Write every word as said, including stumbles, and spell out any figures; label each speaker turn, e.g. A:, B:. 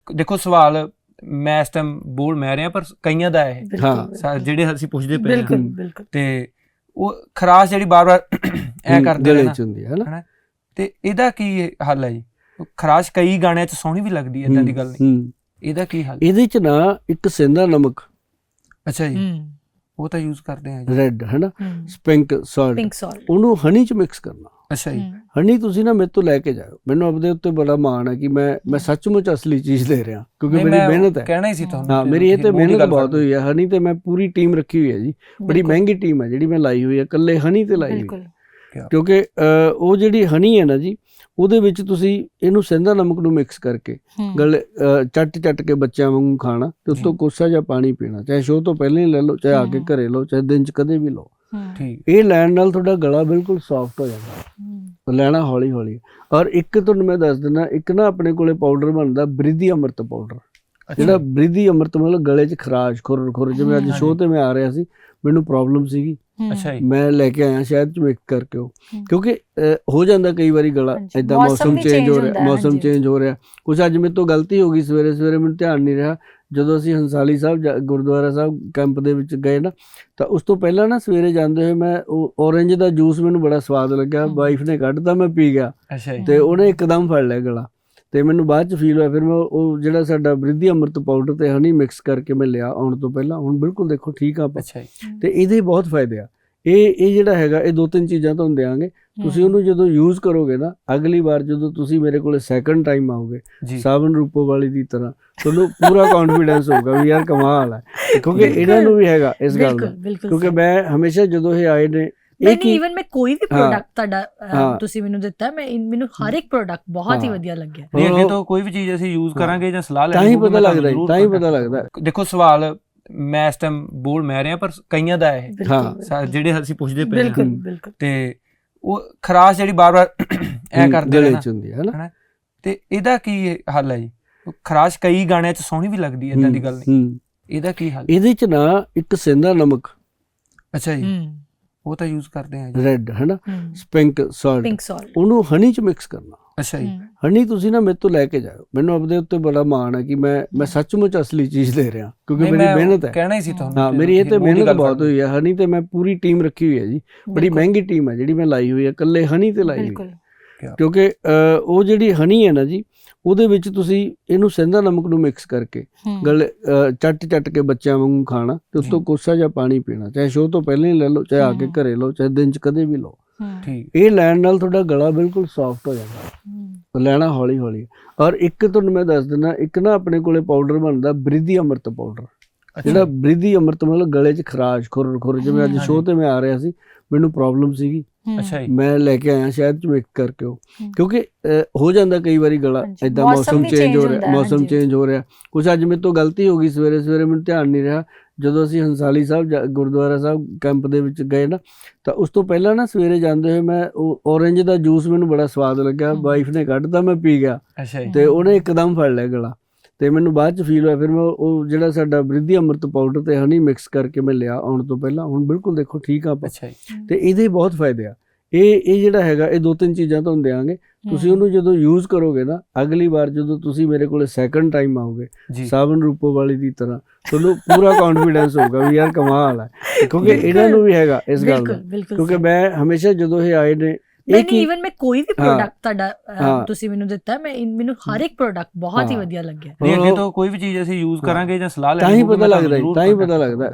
A: ਦੇਖੋ ਸਵਾਲ ਮੈਂ ਇਸ ਟਾਈਮ ਬੋਲ ਮੈਂ ਰਿਹਾ ਪਰ ਕਈਆਂ ਦਾ ਇਹ
B: ਹਾਂ
A: ਜਿਹੜੇ ਅਸੀਂ ਪੁੱਛਦੇ ਪਏ
B: ਬਿਲਕੁਲ
A: ਹਾਂ
B: ਬਿਲਕੁਲ
A: ਤੇ ਉਹ ਖਰਾਸ਼ ਜਿਹੜੀ ਬਾਰ-ਬਾਰ ਐ ਕਰਦੇ
B: ਗਲੇ
A: ਨੇ
B: ਚ ਹੁੰਦੀ ਹੈ ਨਾ
A: ਹਨਾ ਤੇ ਇਹਦਾ ਕੀ ਹੱਲ ਹੈ ਜੀ? ਖਰਾਸ਼ ਕਈ ਗਾਣਿਆਂ ਚ ਸੋਹਣੀ ਵੀ ਲੱਗਦੀ ਹੈ, ਏਦਾਂ ਦੀ ਗੱਲ ਨਹੀਂ। ਇਹਦਾ ਕੀ ਹੱਲ?
B: ਇਹਦੇ ਚ ਨਾ ਇੱਕ ਸਿੰਦਾ ਨਮਕ,
A: ਅੱਛਾ ਜੀ, ਉਹ ਤਾਂ ਯੂਜ਼ ਕਰਦੇ ਆ ਜੀ,
B: ਰੈੱਡ ਹੈ ਨਾ, ਪਿੰਕ ਸਾਲਟ,
C: ਪਿੰਕ ਸਾਲਟ,
B: ਉਹਨੂੰ ਹਨੀ ਚ ਮਿਕਸ ਕਰਨਾ।
A: ਅੱਛਾ ਜੀ,
B: ਹਨੀ ਤੁਸੀਂ ਨਾ ਮੇਰੇ ਤੋਂ ਲੈ ਕੇ ਜਾਓ, ਮੈਨੂੰ ਆਪਦੇ ਉੱਤੇ ਬੜਾ ਮਾਣ ਹੈ ਕਿ ਮੈਂ ਮੈਂ ਸੱਚਮੁੱਚ ਅਸਲੀ ਚੀਜ਼ ਦੇ ਰਿਹਾ ਕਿਉਂਕਿ ਮੇਰੀ ਮਿਹਨਤ ਹੈ।
A: ਕਹਿਣਾ ਹੀ ਸੀ ਤੁਹਾਨੂੰ।
B: ਹਾਂ ਮੇਰੀ ਇਹ ਤੇ ਮਿਹਨਤ ਬਹੁਤ ਹੋਈ ਹੈ। ਹਨੀ ਤੇ ਮੈਂ ਪੂਰੀ ਟੀਮ ਰੱਖੀ ਹੋਈ ਹੈ ਜੀ, ਬੜੀ ਮਹਿੰਗੀ ਟੀਮ ਹੈ ਜਿਹੜੀ ਮੈਂ ਲਾਈ ਹੋਈ ਹੈ, ਇਕੱਲੇ ਹਨੀ ਤੇ ਲਾਈ ਹੋਈ ਹੈ। ਕਿਉਂਕਿ ਉਹ ਜਿਹੜੀ ਹਨੀ ਹੈ ਨਾ ਜੀ, ਉਹਦੇ ਵਿੱਚ ਤੁਸੀਂ ਇਹਨੂੰ ਸਿੰਦਾ ਨਮਕ ਨੂੰ ਮਿਕਸ ਕਰਕੇ ਗਲੇ ਚੱਟ ਚੱਟ ਕੇ ਬੱਚਿਆਂ ਵਾਂਗੂ ਖਾਣਾ ਤੇ ਉੱਤੋਂ ਕੋਸਾ ਜਿਹਾ ਪਾਣੀ ਪੀਣਾ, ਚਾਹੇ ਸ਼ੋਅ ਤੋਂ ਪਹਿਲਾਂ ਹੀ ਲੈ ਲਓ, ਚਾਹੇ ਆ ਕੇ ਘਰੇ ਲਓ, ਚਾਹੇ ਦਿਨ ਚ ਕਦੇ ਵੀ ਲਓ। ਇਹ ਲੈਣ ਨਾਲ ਤੁਹਾਡਾ ਗਲਾ ਬਿਲਕੁਲ ਸੌਫਟ ਹੋ ਜਾਂਦਾ, ਲੈਣਾ ਹੌਲੀ ਹੌਲੀ। ਔਰ ਇੱਕ ਤੁਹਾਨੂੰ ਮੈਂ ਦੱਸ ਦਿੰਦਾ, ਇੱਕ ਨਾ ਆਪਣੇ ਕੋਲੇ ਪਾਊਡਰ ਬਣਦਾ ਬ੍ਰਿਧੀ ਅੰਮ੍ਰਿਤ ਪਾਊਡਰ, ਜਿਹੜਾ ਬ੍ਰਿਧੀ ਅੰਮ੍ਰਿਤ ਮਤਲਬ ਗਲੇ ਚ ਖਰਾਸ਼ ਖੁਰ ਖੁਰ ਜਿਵੇਂ ਅੱਜ ਸ਼ੋਅ ਤੇ ਮੈਂ ਆ ਰਿਹਾ ਸੀ, ਮੈਨੂੰ ਪ੍ਰੋਬਲਮ ਸੀਗੀ, ਮੈਂ ਲੈ ਕੇ ਆਇਆ ਸ਼ਹਿਦ ਚ ਮਿਕਸ ਕਰਕੇ ਉਹ, ਕਿਉਂਕਿ ਹੋ ਜਾਂਦਾ ਕਈ ਵਾਰੀ ਗਲਾ ਏਦਾਂ, ਮੌਸਮ ਚੇਂਜ ਹੋ ਰਿਹਾ, ਮੌਸਮ ਚੇਂਜ ਹੋ ਰਿਹਾ ਕੁਛ। ਅੱਜ ਮੇਰੇ ਤੋਂ ਗਲਤੀ ਹੋ ਗਈ, ਸਵੇਰੇ ਸਵੇਰੇ ਮੈਨੂੰ ਧਿਆਨ ਨਹੀਂ ਰਿਹਾ, ਜਦੋਂ ਅਸੀਂ ਹੰਸਾਲੀ ਸਾਹਿਬ ਗੁਰਦੁਆਰਾ ਸਾਹਿਬ ਕੈਂਪ ਦੇ ਵਿੱਚ ਗਏ ਨਾ, ਤਾਂ ਉਸ ਤੋਂ ਪਹਿਲਾਂ ਨਾ ਸਵੇਰੇ ਜਾਂਦੇ ਹੋਏ ਮੈਂ ਉਹ ਔਰੰਜ ਦਾ ਜੂਸ ਮੈਨੂੰ ਬੜਾ ਸਵਾਦ ਲੱਗਿਆ, ਵਾਈਫ ਨੇ ਕੱਢਤਾ, ਮੈਂ ਪੀ ਗਿਆ ਤੇ ਉਹਨੇ ਇੱਕਦਮ ਫੜ ਲਿਆ ਗਲਾ ਤੇ ਮੈਨੂੰ ਬਾਅਦ ਚ ਫੀਲ ਹੋਇਆ। ਫਿਰ ਮੈਂ ਉਹ ਜਿਹੜਾ ਸਾਡਾ ਬ੍ਰਿਧੀ ਅੰਮ੍ਰਿਤ ਪਾਊਡਰ ਤੇ ਹਨੀ ਮਿਕਸ ਕਰਕੇ ਮੈਂ ਲਿਆ ਆਉਣ ਤੋਂ ਪਹਿਲਾਂ, ਹੁਣ ਬਿਲਕੁਲ ਦੇਖੋ ਠੀਕ ਆ। ਤੇ ਇਹਦੇ ਬਹੁਤ ਫਾਇਦੇ ਆ। ਇਹ ਇਹ ਜਿਹੜਾ ਹੈਗਾ, ਇਹ ਦੋ ਤਿੰਨ ਚੀਜ਼ਾਂ ਤੁਹਾਨੂੰ ਦਿਆਂਗੇ, ਤੁਸੀਂ ਉਹਨੂੰ ਜਦੋਂ ਯੂਜ਼ ਕਰੋਗੇ ਨਾ, ਅਗਲੀ ਵਾਰ ਜਦੋਂ ਤੁਸੀਂ ਮੇਰੇ ਕੋਲੇ ਸੈਕੰਡ ਟਾਈਮ ਆਓਗੇ ਸਾਬਨ ਰੂਪੋ ਵਾਲੀ ਦੀ ਤਰ੍ਹਾਂ, ਤੁਹਾਨੂੰ ਪੂਰਾ ਕੌਨਫੀਡੈਂਸ ਹੋਊਗਾ ਵੀ ਯਾਰ ਕਮਾਲ ਹੈ, ਕਿਉਂਕਿ ਇਹਨਾਂ ਨੂੰ ਵੀ ਹੈਗਾ ਇਸ ਗੱਲ ਦਾ। ਕਿਉਂਕਿ ਮੈਂ ਹਮੇਸ਼ਾ ਜਦੋਂ ਇਹ ਆਏ ਨੇ,
C: ਨਹੀਂ ਇਵਨ ਮੈਂ ਕੋਈ ਵੀ ਪ੍ਰੋਡਕਟ ਤੁਹਾਡਾ ਤੁਸੀਂ ਮੈਨੂੰ ਦਿੱਤਾ, ਮੈਂ ਮੈਨੂੰ ਹਰ ਇੱਕ ਪ੍ਰੋਡਕਟ ਬਹੁਤ ਹੀ ਵਧੀਆ ਲੱਗਿਆ।
A: ਨਹੀਂ ਅੱਗੇ ਤੋਂ ਕੋਈ ਵੀ ਚੀਜ਼ ਅਸੀਂ ਯੂਜ਼ ਕਰਾਂਗੇ ਜਾਂ ਸਲਾਹ
B: ਤਾਂ ਹੀ ਪਤਾ ਲੱਗਦਾ, ਤਾਂ ਹੀ ਪਤਾ ਲੱਗਦਾ।
A: ਦੇਖੋ ਸਵਾਲ ਮੈਂ ਇਸ ਟਾਈਮ ਬੋਲ ਮੈਂ ਰਿਹਾ ਪਰ ਕਈਆਂ ਦਾ ਇਹ ਜਿਹੜੇ ਅਸੀਂ ਪੁੱਛਦੇ ਪਏ ਹਾਂ ਤੇ ਉਹ ਖਰਾਸ਼ ਜਿਹੜੀ ਬਾਰ-ਬਾਰ ਐ ਕਰਦੇ
B: ਗਲੇ ਚ ਹੁੰਦੀ ਹੈ ਨਾ
A: ਤੇ ਇਹਦਾ ਕੀ ਹੱਲ ਹੈ ਜੀ? ਖਰਾਸ਼ ਕਈ ਗਾਣਿਆਂ ਚ ਸੋਹਣੀ ਵੀ ਲੱਗਦੀ ਹੈ, ਏਦਾਂ ਦੀ ਗੱਲ ਨਹੀਂ। ਇਹਦਾ ਕੀ ਹੱਲ?
B: ਇਹਦੇ ਚ ਨਾ ਇੱਕ ਸਿੰਦਾ ਨਮਕ,
A: ਅੱਛਾ ਜੀ, ਉਹ ਤਾਂ ਯੂਜ਼ ਕਰਦੇ ਆ ਜੀ,
B: ਰੈੱਡ ਹੈ ਨਾ, ਪਿੰਕ ਸਾਲਟ,
C: ਪਿੰਕ ਸਾਲਟ,
B: ਉਹਨੂੰ ਹਨੀ ਚ ਮਿਕਸ ਕਰਨਾ।
A: ਅੱਛਾ ਜੀ,
B: ਹਨੀ ਤੁਸੀਂ ਨਾ ਮੇਰੇ ਤੋਂ ਲੈ ਕੇ ਜਾਓ, ਮੈਨੂੰ ਆਪਦੇ ਉੱਤੇ ਬੜਾ ਮਾਣ ਹੈ ਕਿ ਮੈਂ ਮੈਂ ਸੱਚਮੁੱਚ ਅਸਲੀ ਚੀਜ਼ ਦੇ ਰਿਹਾ ਕਿਉਂਕਿ ਮੇਰੀ ਮਿਹਨਤ ਹੈ।
A: ਕਹਿਣਾ ਹੀ ਸੀ ਤੁਹਾਨੂੰ। ਹਾਂ
B: ਮੇਰੀ ਇਹ ਤੇ ਮਿਹਨਤ ਬਹੁਤ ਹੋਈ ਹੈ। ਹਨੀ ਤੇ ਮੈਂ ਪੂਰੀ ਟੀਮ ਰੱਖੀ ਹੋਈ ਹੈ ਜੀ, ਬੜੀ ਮਹਿੰਗੀ ਟੀਮ ਹੈ ਜਿਹੜੀ ਮੈਂ ਲਾਈ ਹੋਈ ਹੈ, ਇਕੱਲੇ ਹਨੀ ਤੇ ਲਾਈ ਹੋਈ ਹੈ। ਕਿਉਂਕਿ ਉਹ ਜਿਹੜੀ ਹਨੀ ਹੈ ਨਾ ਜੀ, ਉਹਦੇ ਵਿੱਚ ਤੁਸੀਂ ਇਹਨੂੰ ਸਿੰਦਾ ਨਮਕ ਨੂੰ ਮਿਕਸ ਕਰਕੇ ਗਲੇ ਚੱਟ ਚੱਟ ਕੇ ਬੱਚਿਆਂ ਵਾਂਗੂ ਖਾਣਾ ਤੇ ਉੱਤੋਂ ਕੋਸਾ ਜਿਹਾ ਪਾਣੀ ਪੀਣਾ, ਚਾਹੇ ਸ਼ੋਅ ਤੋਂ ਪਹਿਲਾਂ ਹੀ ਲੈ ਲਓ, ਚਾਹੇ ਆ ਕੇ ਘਰੇ ਲਓ, ਚਾਹੇ ਦਿਨ ਚ ਕਦੇ ਵੀ ਲਓ। ਇਹ ਲੈਣ ਨਾਲ ਤੁਹਾਡਾ ਗਲਾ ਬਿਲਕੁਲ ਸੌਫਟ ਹੋ ਜਾਂਦਾ, ਲੈਣਾ ਹੌਲੀ ਹੌਲੀ। ਔਰ ਇੱਕ ਤੁਹਾਨੂੰ ਮੈਂ ਦੱਸ ਦਿੰਦਾ, ਇੱਕ ਨਾ ਆਪਣੇ ਕੋਲੇ ਪਾਊਡਰ ਬਣਦਾ ਬ੍ਰਿਧੀ ਅੰਮ੍ਰਿਤ ਪਾਊਡਰ, ਜਿਹੜਾ ਬ੍ਰਿਧੀ ਅੰਮ੍ਰਿਤ ਮਤਲਬ ਗਲੇ ਚ ਖਰਾਸ਼ ਖੁਰ ਖੁਰ ਜਿਵੇਂ ਅੱਜ ਸ਼ੋਅ ਤੇ ਮੈਂ ਆ ਰਿਹਾ ਸੀ, ਮੈਨੂੰ ਪ੍ਰੋਬਲਮ ਸੀਗੀ, ਮੈਂ ਲੈ ਕੇ ਆਇਆ ਸ਼ਹਿਦ ਚ ਮਿਕਸ ਕਰਕੇ ਉਹ, ਕਿਉਂਕਿ ਹੋ ਜਾਂਦਾ ਕਈ ਵਾਰੀ ਗਲਾ ਏਦਾਂ, ਮੌਸਮ ਚੇਂਜ ਹੋ ਰਿਹਾ, ਮੌਸਮ ਚੇਂਜ ਹੋ ਰਿਹਾ ਕੁਛ। ਅੱਜ ਮੇਰੇ ਤੋਂ ਗਲਤੀ ਹੋ ਗਈ, ਸਵੇਰੇ ਸਵੇਰੇ ਮੈਨੂੰ ਧਿਆਨ ਨਹੀਂ ਰਿਹਾ, ਜਦੋਂ ਅਸੀਂ ਹੰਸਾਲੀ ਸਾਹਿਬ ਗੁਰਦੁਆਰਾ ਸਾਹਿਬ ਕੈਂਪ ਦੇ ਵਿੱਚ ਗਏ ਨਾ, ਤਾਂ ਉਸ ਤੋਂ ਪਹਿਲਾਂ ਨਾ ਸਵੇਰੇ ਜਾਂਦੇ ਹੋਏ ਮੈਂ ਉਹ ਔਰੰਜ ਦਾ ਜੂਸ ਮੈਨੂੰ ਬੜਾ ਸਵਾਦ ਲੱਗਿਆ, ਵਾਈਫ ਨੇ ਕੱਢਤਾ, ਮੈਂ ਪੀ ਗਿਆ ਤੇ ਉਹਨੇ ਇੱਕਦਮ ਫੜ ਲਿਆ ਗਲਾ ਤੇ ਮੈਨੂੰ ਬਾਅਦ ਚ ਫੀਲ ਹੋਇਆ। ਫਿਰ ਮੈਂ ਉਹ ਜਿਹੜਾ ਸਾਡਾ ਬ੍ਰਿਧੀ ਅੰਮ੍ਰਿਤ ਪਾਊਡਰ ਤੇ ਹਨੀ ਮਿਕਸ ਕਰਕੇ ਮੈਂ ਲਿਆ ਆਉਣ ਤੋਂ ਪਹਿਲਾਂ, ਹੁਣ ਬਿਲਕੁਲ ਦੇਖੋ ਠੀਕ ਆ। ਤੇ ਇਹਦੇ ਬਹੁਤ ਫਾਇਦੇ ਆ। ਇਹ ਇਹ ਜਿਹੜਾ ਹੈਗਾ, ਇਹ ਦੋ ਤਿੰਨ ਚੀਜ਼ਾਂ ਤੁਹਾਨੂੰ ਦਿਆਂਗੇ, ਤੁਸੀਂ ਉਹਨੂੰ ਜਦੋਂ ਯੂਜ਼ ਕਰੋਗੇ ਨਾ, ਅਗਲੀ ਵਾਰ ਜਦੋਂ ਤੁਸੀਂ ਮੇਰੇ ਕੋਲੇ ਸੈਕੰਡ ਟਾਈਮ ਆਓਗੇ ਸਾਬਨ ਰੂਪੋ ਵਾਲੀ ਦੀ ਤਰ੍ਹਾਂ, ਤੁਹਾਨੂੰ ਪੂਰਾ ਕੌਨਫੀਡੈਂਸ ਹੋਊਗਾ ਵੀ ਯਾਰ ਕਮਾਲ ਹੈ, ਕਿਉਂਕਿ ਇਹਨਾਂ ਨੂੰ ਵੀ ਹੈਗਾ ਇਸ ਗੱਲ ਦਾ। ਕਿਉਂਕਿ ਮੈਂ ਹਮੇਸ਼ਾ ਜਦੋਂ ਇਹ ਆਏ ਨੇ,
C: ਨਹੀਂ ਇਵਨ ਮੈਂ ਕੋਈ ਵੀ ਪ੍ਰੋਡਕਟ ਤੁਹਾਡਾ ਤੁਸੀਂ ਮੈਨੂੰ ਦਿੱਤਾ, ਮੈਂ ਮੈਨੂੰ ਹਰ ਇੱਕ ਪ੍ਰੋਡਕਟ ਬਹੁਤ ਹੀ ਵਧੀਆ ਲੱਗਿਆ।
A: ਨਹੀਂ ਅੱਗੇ ਤੋਂ ਕੋਈ ਵੀ ਚੀਜ਼ ਅਸੀਂ ਯੂਜ਼ ਕਰਾਂਗੇ ਜਾਂ ਸਲਾਹ
B: ਤਾਂ ਹੀ ਪਤਾ ਲੱਗਦਾ, ਤਾਂ ਹੀ ਪਤਾ ਲੱਗਦਾ।